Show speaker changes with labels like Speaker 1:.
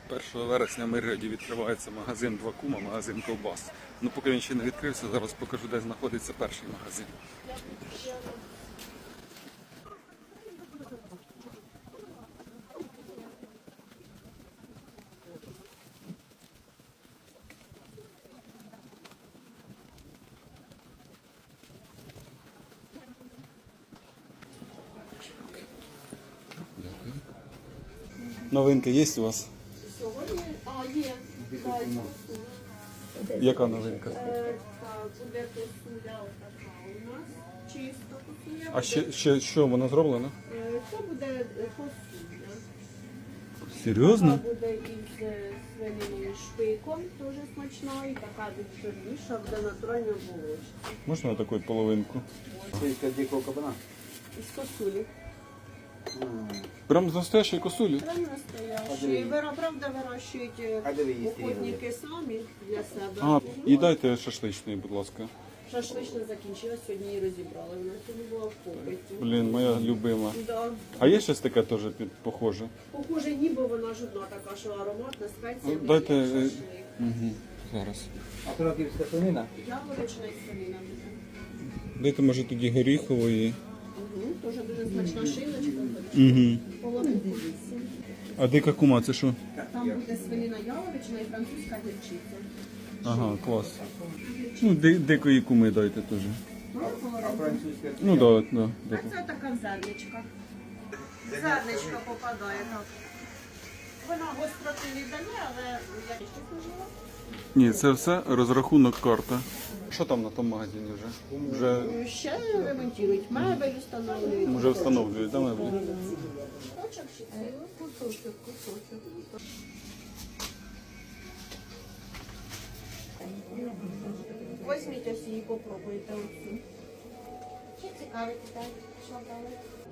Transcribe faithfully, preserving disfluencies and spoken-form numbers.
Speaker 1: першого вересня в Миргороді відкривається магазин Два Кума, магазин ковбас. Ну, поки він ще не відкрився, зараз покажу, де знаходиться перший магазин. Дякую. Новинки є у вас?
Speaker 2: Сьогодні, а є, так.
Speaker 1: Яка новинка?
Speaker 2: Е, Так, буде косуля така у нас, чисто косуля.
Speaker 1: А ще, ще що, воно зроблено?
Speaker 2: Е, Це буде е, косуля.
Speaker 1: Серйозно?
Speaker 2: Така буде із е, свининою шпиком, дуже смачна, і така більш жирніша, буде натуральна булочка.
Speaker 1: Можна таку половинку?
Speaker 3: Шийка дикого кабана.
Speaker 2: Із косулі.
Speaker 1: Прям з настоящої косулі?
Speaker 2: Прям настоящі. Вира- Правда, вирощують е,
Speaker 3: А де ви їсте
Speaker 2: охотники самі для себе.
Speaker 1: А, і дайте шашличної, будь ласка.
Speaker 2: Шашлична закінчилась, сьогодні її розібрали. Вона сьогодні була в попиті.
Speaker 1: Блін, моя любима.
Speaker 2: Да.
Speaker 1: А є щось таке теж під- похоже?
Speaker 2: Похоже, ніби вона ж одна така, що ароматна спеція.
Speaker 1: Ну, дайте,
Speaker 2: як
Speaker 1: е,
Speaker 2: шашлик.
Speaker 1: Угу. Зараз.
Speaker 3: А краківська свинина?
Speaker 2: Яблучна і свинина буде.
Speaker 1: Дайте, може, тоді горіхової.
Speaker 2: Угу. Дуже дуже смачна шиночка.
Speaker 1: Угу.
Speaker 2: Половинку вісім.
Speaker 1: А дика кума, це що?
Speaker 2: Там буде свинина яловична і французька гірчиця.
Speaker 1: Ага, клас. Ну, ди- дикої куми дайте теж.
Speaker 2: Ну,
Speaker 3: А
Speaker 2: половинку.
Speaker 3: французька?
Speaker 1: Ну, да, да.
Speaker 2: А
Speaker 1: да.
Speaker 2: це така в зерничка. Зерничка попадає так. Вона гостроти не дає, але я ще служила.
Speaker 1: Ні, це все розрахунок карта. Що там на тому магазині вже? Вже,
Speaker 2: Ще ремонтують мебель, встановлюють.
Speaker 1: вже встановлюють, да, меблі?
Speaker 2: Кусочок ще це. Кусочок, кусочок. Візьміть ось її, попробуйте оцю. Чи цікавить, так? Що брали?